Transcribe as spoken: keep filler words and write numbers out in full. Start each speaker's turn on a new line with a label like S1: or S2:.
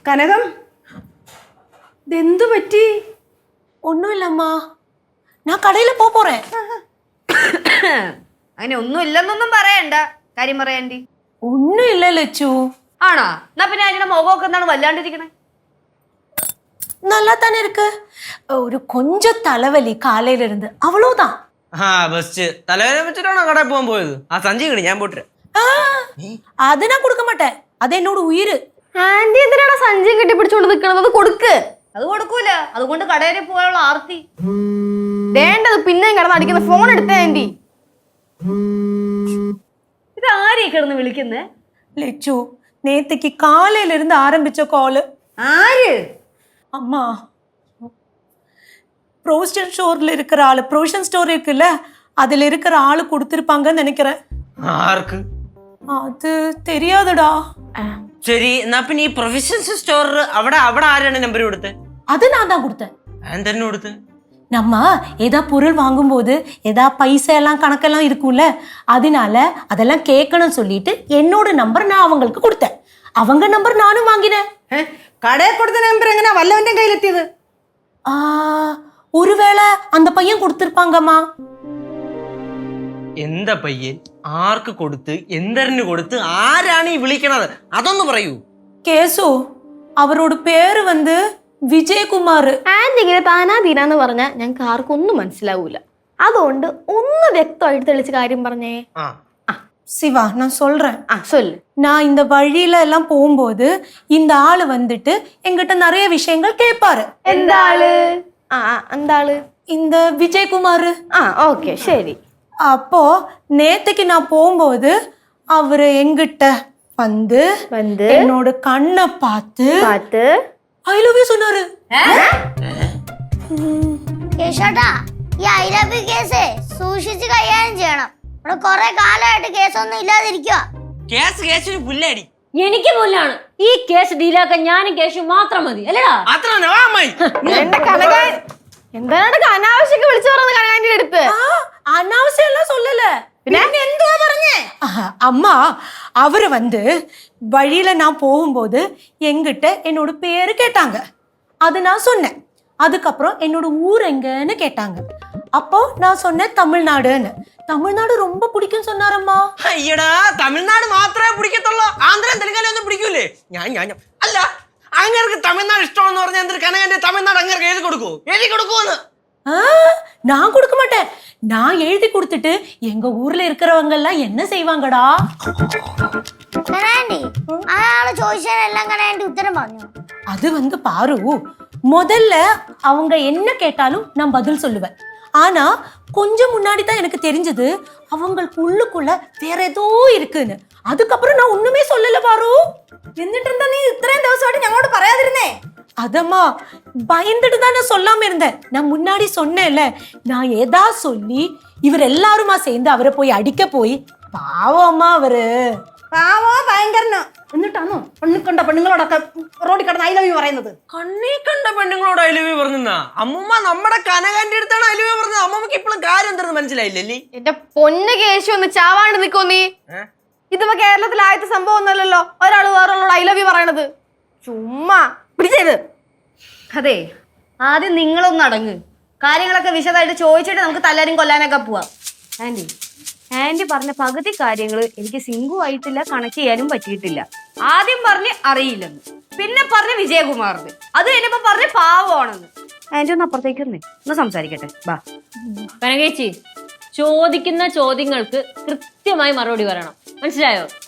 S1: കനകം ഇതെന്തു പറ്റി?
S2: ഒന്നുമില്ലമ്മ, ഞാൻ കടയിൽ പോ പോറേ.
S3: അങ്ങനെ ഒന്നും ഇല്ലെന്നൊന്നും പറയണ്ട. കാര്യം പറയാണ്ടി.
S2: ഒന്നും ഇല്ല ലച്ചു.
S3: ആണോ? എന്നാ പിന്നെ അതിന്റെ മുഖമൊക്കെ എന്താണ് വല്ലാണ്ടിരിക്കണേ?
S2: நல்லா தானே இருக்கு. ஒரு கொஞ்சம் தலைவலி காலையில இருந்து, அவ்வளவுதான்.
S4: ആ ബസ് തലവേദന വെച്ചിട്ടാണോ കടയിൽ പോകാൻ പോയത്? ആ സഞ്ചി കിണി ഞാൻ പോട്ടെ.
S2: അത് ഞാൻ കൊടുക്ക മാട്ടേൻ, അത് എന്നോട് ഉയിര്.
S5: ആന്റി എന്തിനാണ് സഞ്ചി കെട്ടിപ്പിടിച്ചോണ്ട് നിക്കണത്? അത് കൊടുക്ക്.
S3: അത് കൊടുക്കൂല. അതുകൊണ്ട് കടയിൽ പോകാനുള്ള ആർത്തി
S5: വേണ്ടത്. പിന്നെയും കിടന്ന് അടിക്കുന്ന ഫോൺ എടുത്തേ ആന്റി.
S3: ഇത് ആരീ കിടന്ന് വിളിക്കുന്നേ?
S2: லெச்சு, நேத்துக்கு காலையில இருந்து ஆரம்பிச்ச கால்.
S3: ആര്?
S2: அம்மா, ப்ரொவிஷன் ஸ்டோர்ல இருக்கிற ஆளு, ப்ரொவிஷன் ஸ்டோர் இருக்குல்ல, அதுல இருக்கிற ஆளு கொடுத்திருப்பாங்கன்னு நினைக்கிறேன்.
S4: ആർക്ക്?
S2: அது தெரியாதுடா.
S4: ശരി, എന്നാ പിന്നെ ഈ പ്രൊഫഷണൽ സ്റ്റോർ അവിടെ അവിടെ ആരാണ് നമ്പർ കൊടുത്തത്?
S2: அது நான் தான் கொடுத்தேன்.
S4: ഞാൻ തന്നെ കൊടുത്ത്.
S2: நம்ம ஏதா பொருள் வாங்கும்போது ஏதா பைசா எல்லாம் கணக்கெல்லாம் இருக்கும்ல, அதனால அதெல்லாம் கேட்கணும்னு சொல்லிட்டு என்னோட நம்பர் நான் அவங்களுக்கு கொடுத்தேன். அவங்க நம்பர் நானும் வாங்கினேன்.
S1: കടയിൽ കൊടുത്ത നമ്പർ എങ്ങനെയാ വല്ലവന്റെ കയ്യിലെത്തിയത്?
S2: ஆ, ஒருவேளை அந்த பையன் கொடுத்திருப்பாங்கம்மா.
S4: എന്താ പയ്യൻ? ആർക്ക് കൊടുത്ത്? എന്തരന് കൊടുത്ത്? ആരാണ് ഈ വിളിക്കണത്? അതൊന്ന് പറയൂ.
S2: கேசு, அவரோட பேரு வந்து വിജയകുമാർ.
S5: ആന്റി ഇങ്ങനെ താനാ തീരാന്ന് പറഞ്ഞാൽ ഞങ്ങൾക്ക് ആർക്കും ഒന്നും മനസ്സിലാവൂല. അതുകൊണ്ട് ഒന്ന് വ്യക്തമായിട്ട് തെളിച്ച് കാര്യം പറഞ്ഞേ.
S4: ആ
S2: சிவா, நான் சொல்றேன்.
S5: ആ சொல்லு.
S2: நான் இந்த வழியில எல்லாம் போகும்போது இந்த ஆளு வந்துட்டு எங்கிட்ட நிறைய விஷயங்கள் கேட்பாரு.
S5: എന്താള്? ആ എന്താള്?
S2: இந்த விஜயகுமார்.
S5: ആ ஓகே ശരി.
S2: அப்போ நேத்துக்கு நான் போகும்போது அவரு எங்கிட்ட வந்து
S5: வந்து
S2: என்னோட கண்ணை பார்த்து
S5: பார்த்து
S2: ஐ லவ் யூ சொன்னாரு.
S6: കേശോട്ടാ, ഈ ഐ ലവ് യു കേസ് സൂക്ഷിച്ച് കൈകാര്യം ചെയ്യണം. ഇവിടെ കുറെ കാലമായിട്ട് കേസൊന്നും ഇല്ലാതിരിക്കുക.
S4: കേസ് കേസിന് പുല്ലടി.
S7: എനിക്ക് പോലാണ് ഈ കേസ് ഡീലാക്കാൻ ഞാനും കേസും മാത്രം മതി അല്ലടാ.
S4: അത്ര
S5: എന്റെ കനക എന്താണ് അനാവശ്യമൊക്കെ വിളിച്ചു പറയുന്നത് കനകാന്റെ അടുത്ത്?
S2: அனாவசியம் எல்லாம் சொல்லல.
S5: പിന്നെ
S2: എന്തുവാ പറഞ്ഞേ? அம்மா, அவரு வந்து வழியில நான் போகும்போது எங்கிட்ட என்னோட பேரு கேட்டாங்க. அது நான் சொன்னேன். அதுக்கப்புறம் என்னோட ஊர் எங்கன்னு கேட்டாங்க. அப்போ நான் சொன்னேன் தமிழ்நாடுன்னு. தமிழ்நாடு ரொம்ப பிடிக்கும் சொன்னாரம்மா.
S4: അയ്യടാ, തമിഴ്നാട് മാത്രമേ പിടിക്കത്തുള്ളൂ. ആന്ധ്രയും തെലുങ്കാനും ഒന്നും പിടിക്കൂലേ? ഞാൻ ഞാൻ അല്ല, അങ്ങേർക്ക് തമിഴ്നാട് ഇഷ്ടമാണെന്ന് പറഞ്ഞാൽ എന്തൊരു കനകന്റെ തമിഴ്നാട് അങ്ങേർക്ക് എഴുതി കൊടുക്കൂ? എഴുതി കൊടുക്കുമെന്ന്?
S2: நான் கொடுக்க மாட்டேன். நான் எழுதி கொடுத்துட்டு எங்க ஊர்ல இருக்கிறவங்க எல்லாம் என்ன செய்வாங்கடா?
S6: കനാൻഡി, അയാള് ചോദിച്ചതിനെല്ലാം കനാൻഡി ഉത്തരം പറഞ്ഞു.
S2: அது வந்து பாரு, முதல்ல அவங்க என்ன கேட்டாலும் நான் பதில் சொல்லுவேன். ஆனா கொஞ்சம் முன்னாடி தான் எனக்கு தெரிஞ்சது அவங்களுக்கு உள்ளுக்குள்ள வேற ஏதோ இருக்குன்னு. அதுக்கப்புறம் நான் ஒண்ணுமே சொல்லல பாரு.
S1: എന്നിട്ട് എന്താ നീ ഇത്രയും ദിവസമായിട്ട് ഞങ്ങളോട് പറയാതിരുന്നേ?
S2: அதம்மா, பயந்துட்டு தான் நான் சொல்லாம இருந்தேன். நான் முன்னாடி சொன்னேன்ல, நான் ஏதா சொல்லி இவர் எல்லாருமா சேர்ந்து அவரை போய் அடிக்க போய் பாவம் அம்மா அவரு.
S1: പാവോ ഭയങ്കരനോ? എന്നിട്ടാണോ പെണ്ണു കണ്ട പെണ്ണുങ്ങളോടൊക്കെ റോഡിൽ കിടന്ന് ഐ ലവ് യു പറയുന്നത്?
S4: കണ്ണീ കണ്ട പെണ്ണുങ്ങളോട് ഐ ലവ് യു പറഞ്ഞാ? അമ്മൂമ്മ നമ്മുടെ കനകന്റെ അടുത്താണ് ഐ ലവ് യു പറഞ്ഞത്. അമ്മമ്മക്ക് ഇപ്പോഴും കാര്യം എന്താണെന്ന് മനസ്സിലായില്ലേ?
S5: എന്റെ പൊന്ന് കേശു ഒന്ന് ചാവാണ്ട് നിക്കോ നീ. ഇതിപ്പോ കേരളത്തിൽ ആദ്യത്തെ സംഭവം ഒന്നുമല്ലല്ലോ ഒരാള് വേറൊരാളോട് ഐ ലവ് യു പറയണത്. ചുമ്മാ പിടിച്ചത്.
S3: അതെ, ആദ്യം നിങ്ങളൊന്ന് അടങ്ങ്. കാര്യങ്ങളൊക്കെ വിശദമായിട്ട് ചോദിച്ചിട്ട് നമുക്ക് തല്ലാരും കൊല്ലാനൊക്കെ പോവാം. ആന്റി ആന്റി പറഞ്ഞ പകുതി കാര്യങ്ങൾ എനിക്ക് സിംഗു ആയിട്ടില്ല, കണക്ട് ചെയ്യാനും പറ്റിയിട്ടില്ല. ആദ്യം പറഞ്ഞ് അറിയില്ലെന്ന്, പിന്നെ പറഞ്ഞ് വിജയകുമാറിന്, അത് കഴിഞ്ഞപ്പോ പറഞ്ഞ് പാവമാണെന്ന്. ആന്റി ഒന്ന് അപ്പുറത്തേക്ക് ഒന്ന് ഒന്ന് സംസാരിക്കട്ടെ. ബാ
S7: കനകേച്ചി, ചോദിക്കുന്ന ചോദ്യങ്ങൾക്ക് കൃത്യമായി മറുപടി പറയണം, മനസ്സിലായോ?